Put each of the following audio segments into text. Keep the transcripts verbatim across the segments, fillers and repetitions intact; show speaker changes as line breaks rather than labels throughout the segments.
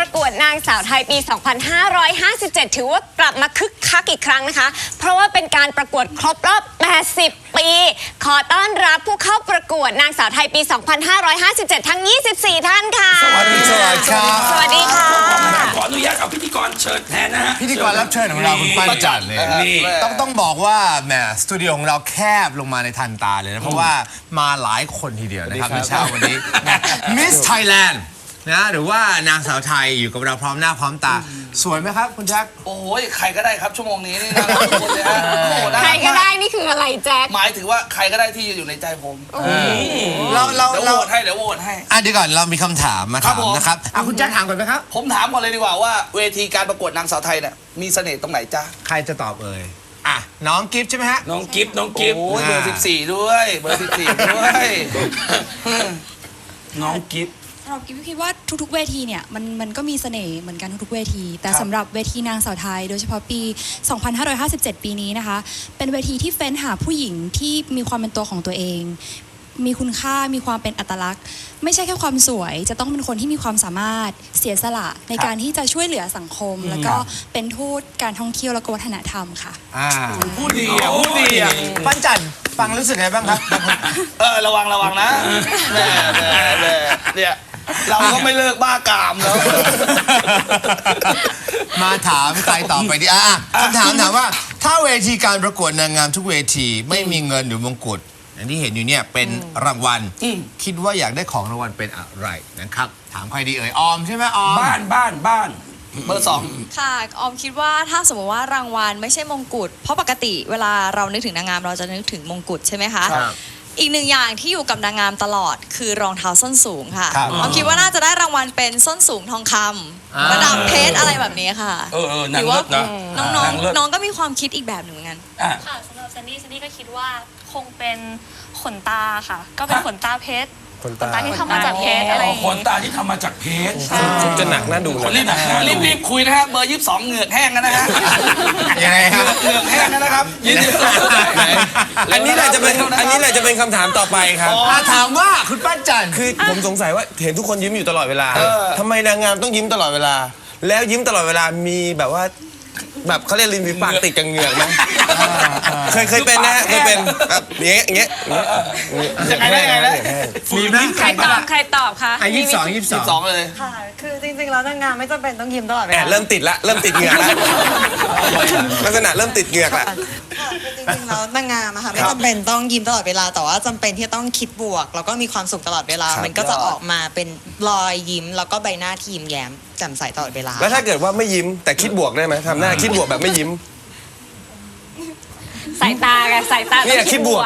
กวดนางสาวไทยปี สองพันห้าร้อยห้าสิบเจ็ด ถือว่ากลับมาคึกคักอีกครั้งนะคะเพราะว่าเป็นการประกวดครบรอบ แปดสิบ ปีขอต้อนรับผู้เข้าประกวดนางสาวไทยปี สองพันห้าร้อยห้าสิบเจ็ด ทั้ง ยี่สิบสี่ ท่านค่ะ
สวัสดีครับ
สวัสดีค่ะ
ขออนุญาตเอาพิธีกรเชิญแทนนะฮะ
พิธีกรรับเชิญของเราคุณปั้นจันทร์เนี่ยต้องต้องบอกว่าแหมสตูดิโอของเราแคบลงมาในทันตาเลยนะเพราะว่ามาหลายคนทีเดียวนะครับในเช้าวันนี้มิสไทยแลนด์นะหรือว่านางสาวไทยอยู่กับเราพร้อมหน้าพร้อมตาสวยไหมครับคุณแจ็ค
โอ้ยใครก็ได้ครับชั่วโมงนี้นี่น่ารักทุกคนเลยฮะ
ใครก็ได้นี่คืออะไรแจ็ค
หมายถึงว่าใครก็ได้ที่อยู่ในใจผม
เราเรา
เดี๋ยว
เรา
โหวตให้เดี๋ยวโหวตให้
อ่ะเดี๋ยวก่อนเรามีคำถามมาถามนะครับอ่ะคุณแจ็คถามก่อนไหมครับ
ผมถามก่อนเลยดีกว่าว่าเวทีการประกวดนางสาวไทยเนี่ยมีเสน่ห์ตรงไหนจ๊ะ
ใครจะตอบเอ่ยอ่ะน้องกิฟต์ใช่ไหมฮะ
น้องกิฟต์น้องกิฟต์
โอ้ยเบอร์สิบสี่ด้วยเบอร์สิบสี่ด้วย
น้องกิฟต์
เราคิดว่าทุกๆเวทีเนี่ยมันมันก็มีเสน่ห์เหมือนกันทุกๆเวทีแต่สำหรับเวทีนางสาวไทยโดยเฉพาะปี สองพันห้าร้อยห้าสิบเจ็ด ปีนี้นะคะเป็นเวทีที่เฟ้นหาผู้หญิงที่มีความเป็นตัวของตัวเองมีคุณค่ามีความเป็นอัตลักษณ์ไม่ใช่แค่ความสวยจะต้องเป็นคนที่มีความสามารถเสียสละในการที่จะช่วยเหลือสังคมแล้วก็เป็นทูตการท่องเที่ยวและวัฒนธรรมค่ะ
พูดดีอ่ะพูดดีอ่ะ
ปั้นจันทร์ฟังรู้สึกไงบ้างครับ
เออระวังระวังนะแม่แม่แม่เนี่ยเราก็ไม่เลิกบ้ากามแล้ว
มาถามใครต่อไปดีอ่ะคำถามถามว่าถ้าเวทีการประกวดนางงามทุกเวทีไม่มีเงินหรือมงกุฎอย่างที่เห็นอยู่เนี่ยเป็นรางวัลคิดว่าอยากได้ของรางวัลเป็นอะไรนะครับถามใครดีเอ่ยออมใช่ไหมออม
บ้านบ้านบ้าน
เบอร์สอง
ค่ะออมคิดว่าถ้าสมมติว่ารางวัลไม่ใช่มงกุฎเพราะปกติเวลาเรานึกถึงนางงามเราจะนึกถึงมงกุฎใช่ไหมคะอีกหนึ่งอย่างที่อยู่กับนางงามตลอดคือรองเท้าส้นสูงค่ะออมคิดว่าน่าจะได้รางวัลเป็นส้นสูงทองคำระดับเพชรอะไรแบบนี้ค่ะ
เออเออนางเลิศนะ
น้องน้องน้องก็มีความคิดอีกแบบหนึ่งเหมือนกัน
ค่ะสำหรับซันนี่ซันนี่ก็คิดว่าคงเป็นขนตาค่ะก็เป็นขนตาเพชรขนตาที่ทำมาจากเพชรอะไร
ขนตาที่ทำมาจากเพชร
จะหนักน่าดู
คนรีบหนัก
รีบรีบคุยนะฮะเบอร์ยี่สิบสองเหงือกแห้งกันนะฮะ
ยังไงครับ
เหงือกแห้งกันนะครับยี่สิบสอง
อันนี้แหละจะเป็นอันนี้แหละจะเป็นคำถามต่อไปครับ
ถามว่าคุณปั้นจันทร์
คือผมสงสัยว่าเห็นทุกคนยิ้มอยู่ตลอดเวลาทำไมนางงามต้องยิ้มตลอดเวลาแล้วยิ้มตลอดเวลามีแบบว่าแบบเขาเรียกริมฝีปากติดกับเหงือกไหมเคยเคยเป็นนะเคยเป็นแบบอย่างเงี้ยอย่างเงี้ย
ยังไงได้ยังไงได้
มีไหม
ใครตอบใครตอบคะ
ยี่สิบสองยี่สิบสอง
เลย
ค่ะคือจริงๆแล้วนางงามไม่จำเป็นต้องยิ้มตลอดเวลา
เริ่มติดละเริ่มติดเหงือกละลักษณะเริ่มติดเหงือกละ
จริงๆแล้วนางงามอะค่ะไม่จำเป็นต้องยิ้มตลอดเวลาแต่ว่าจำเป็นที่ต้องคิดบวกแล้วก็มีความสุขตลอดเวลามันก็จะออกมาเป็นรอยยิ้มแล้วก็ใบหน้าที่ยิ้มแย้มแจ่มใสตลอดเวลา
แล้วถ้าเกิดว่าไม่ยิ้มแต่คิดบวกได้ไหมทำหน้าคิดบวกแบบไม่ยิ้ม
สายตาไงสายตา
เนี่ยคิดบวก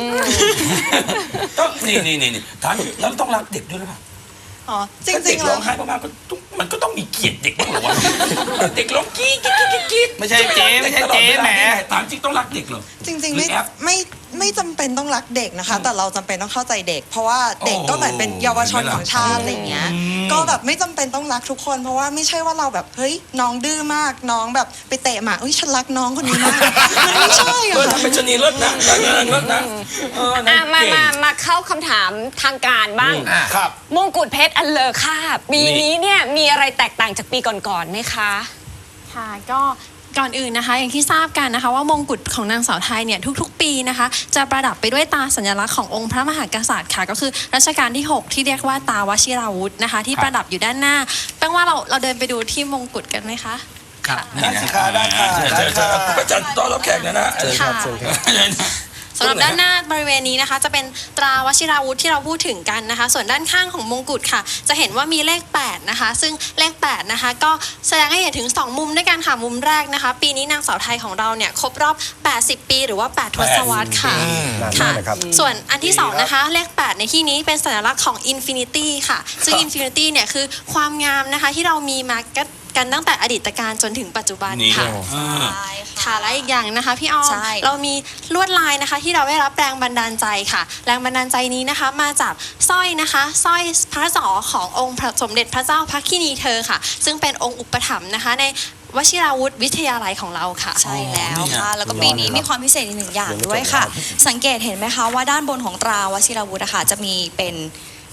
ต้องนี่นี่นี่ถามแล้วต้องรักเด็กด้วยหรือเปล่า
อ๋อจริงๆ
แล้วร้องไห้มากๆก็มันก็ต้องมีเกียรติเด็กบ้างหรอวะเด็กร้องกี้กี้กี้กี้
ไม่ใช่เจ๊ไม่ใช่เจ๊แหม
ถามจริงต้องรักเด็กเหรอ
จริงๆไม่ไม่ไม่จำเป็นต้องรักเด็กนะคะแต่เราจำเป็นต้องเข้าใจเด็กเพราะว่าเด็กก็เหมือนเป็นเยาวชนของชาติอะไรเงี้ยก็แบบไม่จำเป็นต้องรักทุกคนเพราะว่าไม่ใช่ว่าเราแบบเฮ้ยน้องดื้อมากน้องแบบไปเตะหมาเอ้ยฉันรักน้องคนนี้มากมันไม่ใช่อะ
ทำเป็นชนีเลิศนะเลิศนะ
มามามาเข้าคำถามทางการบ้าง
ครับ
มงกุฎเพชรอันเลอค่าปีนี้เนี่ยมีอะไรแตกต่างจากปีก่อนๆไหมคะ
ค่ะก็ก่อนอื่นนะคะอย่างที่ทราบกันนะคะว่ามงกุฎของนางสาวไทยเนี่ยทุกๆปีนะคะจะประดับไปด้วยตาสัญลักษณ์ขององค์พระมหากษัตริย์ค่ะก็คือรัชกาลที่หกที่เรียกว่าตาวชิราวุธนะคะที่ประดับอยู่ด้านหน้าแปลว่าเราเราเดินไปดูที่มงกุฎกันไหมคะ
ครับ
ได้ค่ะได้ค่ะได้ค่ะ
พระจันทร์ต้อนรับแขกนะนะ
เชิญครับเชิญครับ
สำหรับด้านหน้าบริเวณนี้นะคะจะเป็นตราวชิราวุธที่เราพูดถึงกันนะคะส่วนด้านข้างของมงกุฎค่ะจะเห็นว่ามีเลขแปดนะคะซึ่งเลขแปดนะคะก็แสดงให้เห็นถึงสองมุมด้วยกันค่ะมุมแรกนะคะปีนี้นางสาวไทยของเราเนี่ยครบรอบแปดสิบปีหรือว่าแปดทศวรรษค่ะค่ะส่วนอันที่สองนะคะเลขแปดในที่นี้เป็นสัญลักษณ์ของ Infinity ค่ะซึ่ง Infinity เนี่ยคือความงามนะคะที่เรามีมากันตั้งแต่อดีตการจนถึงปัจจุบันค่ะค่ะและอีกอย่างนะคะพี่อ้อมเรามีลวดลายนะคะที่เราได้รับแรงบันดาลใจค่ะแรงบันดาลใจนี้นะคะมาจากสร้อยนะคะสร้อยพระศอกขององค์สมเด็จพระเจ้าพระคินีเธอค่ะซึ่งเป็นองค์อุปถัมภ์นะคะในวชิราวุธวิทยาลัยของเราค่ะ
ใช่แล้วค่ะแล้วก็ปีนี้มีความพิเศษอีกหนึ่งอย่างด้วยค่ะสังเกตเห็นไหมคะว่าด้านบนของตราวชิราวุธนะคะจะมีเป็น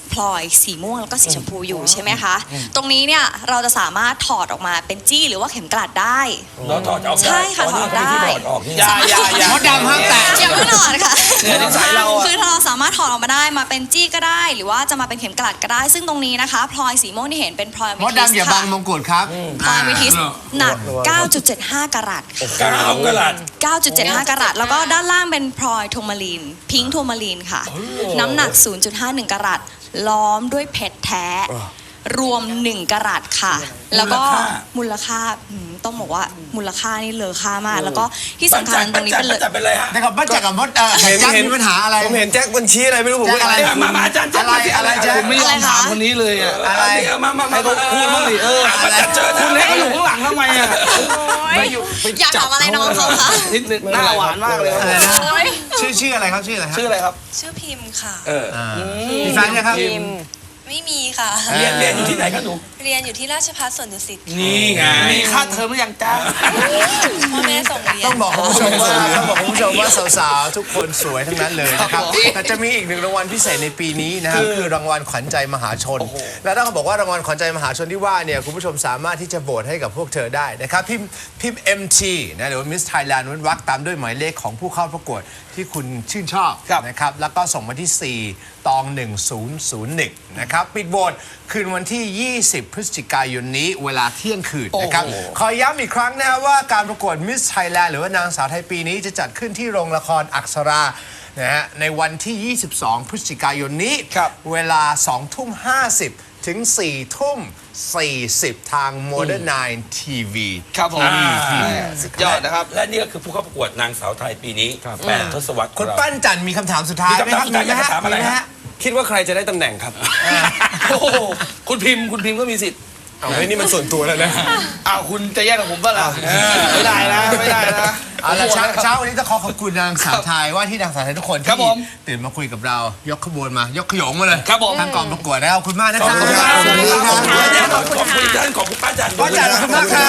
พลอยสีม่วงแล้วก็สีชมพูอยู่ใช่ไหมคะตรงนี้เนี่ยเราจะสามารถถอดออกมาเป็นจี้หรือว่าเข็มกลัดได้
เราถอดออก
ใช่ค่ะ
ตอนนี้
ถอดได้
ที่ถอดออกนี่
อย่าอย่าอย่าม
ดดำห้ามแตะ
อย่าเพิ่งถอดค่ะ
เนี่ยนิสัยเราอะ
คือเราสามารถถอดออกมาได้มาเป็นจี้ก็ได้ หรือว่าจะมาเป็นเข็มกลัดก็ได้ ซึ่งตรงนี้นะคะพลอยสีม่วงที่เห็นเป็นพลอย
มดดำอย่าบังมงกุฎครับ
พลอยเมทิสหนัก เก้าจุดเจ็ดห้า กะรัต
เก้ากะรัต
เก้าจุดเจ็ดห้า กะรัตแล้วก็ด้านล่างเป็นพลอยโทมาลีนพิงค์โทมาลีนค่ะ น้ำหนัก ศูนย์จุดห้าหนึ่ง กะรัตล้อมด้วยเพชรแท้ รวมหนึ่งกะรัตค่ะ แล้วก็มูลค่าอืมต้องบอกว่ามูลค่านี่เลอค่ามาก แล้วก็ที่สำคัญตรงนี้เป็นเลย
จัดเป็นเลยฮะ
นะครับป้าแจ็คกับมดเออ
เห็น
แจ็ค
เห็น
มีปัญหาอะไร
ผมเห็นแจ็คบัญชีอะไรไม่รู้ผม
แจ็คอะไร
เอ๊ะ
มามาอาจารย์
อะไรอะไรแจ็ค
ผมไม่ยอมถามคนนี้เลยอ่ะ
อะไร
มามามา
ให้เขาพูดบ้างดิเออ
อาจารย์เจอ
คุณเล็กเขาอยู่ข้างหลังทำไมอ่ะ
อยากถามอะไรน้องเขาคะ
นิดนึงหน้าหวานมากเลย
อะไรนะชื่อชื่ออะไรครับชื่ออะไรครับ
ชื่ออะไรครับ
ชื่อพิมพ์ค่ะ
เออ
อ่ามีแฟนยังครับ
ไม่มีค่ะ
เรียนเรียนอยู่ที่ไหนกันหนู
เรียนอยู่ที่ราชภัฏสวนดุสิต
นี่ไง
มีค่าเทอมหรือยังจ้า
พ่อแม่ส่งเรียน
ต้องบอกคุณผู้ชมว่าต้องบอกคุณผู้ชมว่าสาวๆทุกคนสวยทั้งนั้นเลยนะครับแต่จะมีอีกหนึ่งรางวัลพิเศษในปีนี้นะครับคือรางวัลขวัญใจมหาชน และต้องบอกว่ารางวัลขวัญใจมหาชนที่ว่าเนี่ยคุณผู้ชมสามารถที่จะโหวตให้กับพวกเธอได้นะครับพิมพ์พิมพ์ เอ็ม ที นะหรือว่า Miss Thailand เว้นวรรคตามด้วยหมายเลขของผู้เข้าประกวดที่คุณชื่นชอบนะครับแล้วก็ส่งมาที่ 4 ตอง หนึ่งศูนย์ศูนย์หนึ่ง นะครับปิดโหวตคืนวันที่ ยี่สิบ พฤศจิกายนนี้เวลาเที่ยงคืนนะครับขอย้ำอีกครั้งนะครับว่าการประกวด Miss Thailand หรือว่านางสาวไทยปีนี้จะจัดขึ้นที่โรงละครอักษรานะฮะในวันที่ ยี่สิบสอง พฤศจิกายนนี้ เวลา สองทุ่มห้าสิบ ถึง สี่ทุ่มสี่สิบ ทาง Modern ไนน์ ที วี
ครับผมสุดยอดนะครับ
และนี่ก็คือผู้เข้าประกวดนางสาวไทยปีนี้แปดทศวรรษ
คุณปั้นจันทร์มีคำถามสุดท้าย
มี
ไหม
คำ
ค
ถา
รั
ม
บ
สุดท้ายอยากจะถามอะไร
ไหม
ฮะ
ฮะ
คิดว่าใครจะได้ตำแหน่งครับ
โอ้โหคุณพิมพ์คุณพิมพ์ก็มีสิทธิ์
เอาเฮ้ยนี่มันส่วนตัวแล้วนะ
อ้าวคุณจะแย่งกับผมป่ะล่ะไม่ได้นะไม่ได้นะ
เอาละเช้าเช้าวันนี้ต้องขอขอบคุณนางสาวไทยว่าที่นางสาวไทยทุกคน
ครั
ที่
บผม
ตื่นมาคุยกับเรายกขบวนมายกขยงมาเลย
ครับผม
ทางกองประกวดนะครับขอบคุณมากนะครับ
ขอบคุณครับ
ขอบคุณครับ
ขอบคุณท่านขอบคุณป้าจัน
ป้าจันทร์ขอบคุณมากครับ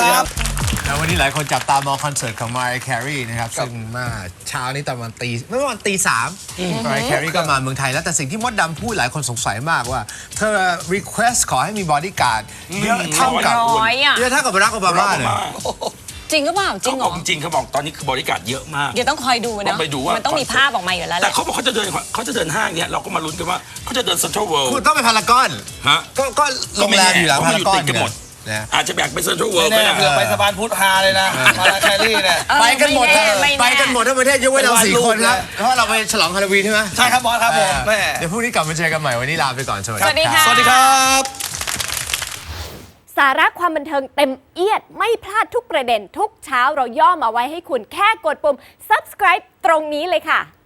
ครับ
แล้ววันนี้หลายคนจับตามองคอนเสิร์ตของ Mariah Carey นะครับซึ่งมาเช้านี้ตอนประมาณตีเมื่อวันตีสาม Mariah Carey ก็มาเมืองไทยแล้วแต่สิ่งที่มดดำพูดหลายคนสงสัยมากว่า เธอ request ขอให้มีบอดี้การ์ดเยอะเท่ากับ
ร้อยอ่ะ
เยอะเท่ากับ Barack Obama เลย
จริงหรือเปล่าจริ
เขา
งเห
บ
ร
อก
อ
จริงๆเขาบอกตอนนี้คือบริการเยอะมาก
เดี๋ยวต้องคอยดู
ต้
นะ
องไปดูว่ามั
มันต้องมีภาพออกมาอยู่แล้วแห
แต่
ละ
เขาบอกเขาจะเดินเขาจะเดินห้างเนี่ยเราก็มาลุ้นกันว่าเขาจะเดินเซ็นทรัลเวิลด์
คุณต้องไปพารากอน
ฮะ
ก็ก็โรงแรมอยู่หลังพารากอน
เพราะมันอยู่ติดกันหมด
นะ
อาจจะแบ่งเป็นเซ็นทรัลเวิลด์
แน่
ก็ได้
เผื่อไปสะพานพุทธฮาเลยนะมาลาแครี่เนี่ย
ไปกันหมด
ไม่แน่ไม่แน่
ไปกันหมดทั้งประเทศยกเว้นเราสี่คนครับเพราะเราไปฉลองฮาโลวีนใช่ไหม
ใช่ครับบอสครับผมแม่
เดี๋ยวพรุ่งนี้กลับมาเจอกันใหม่วันนี้ลาไปก่อนสวัส
สวัสดีค่ะ
สวัสดีครับ
สาระความบันเทิงเต็มเอียดไม่พลาดทุกประเด็นทุกเช้าเราย่อมาไว้ให้คุณแค่กดปุ่ม subscribe ตรงนี้เลยค่ะ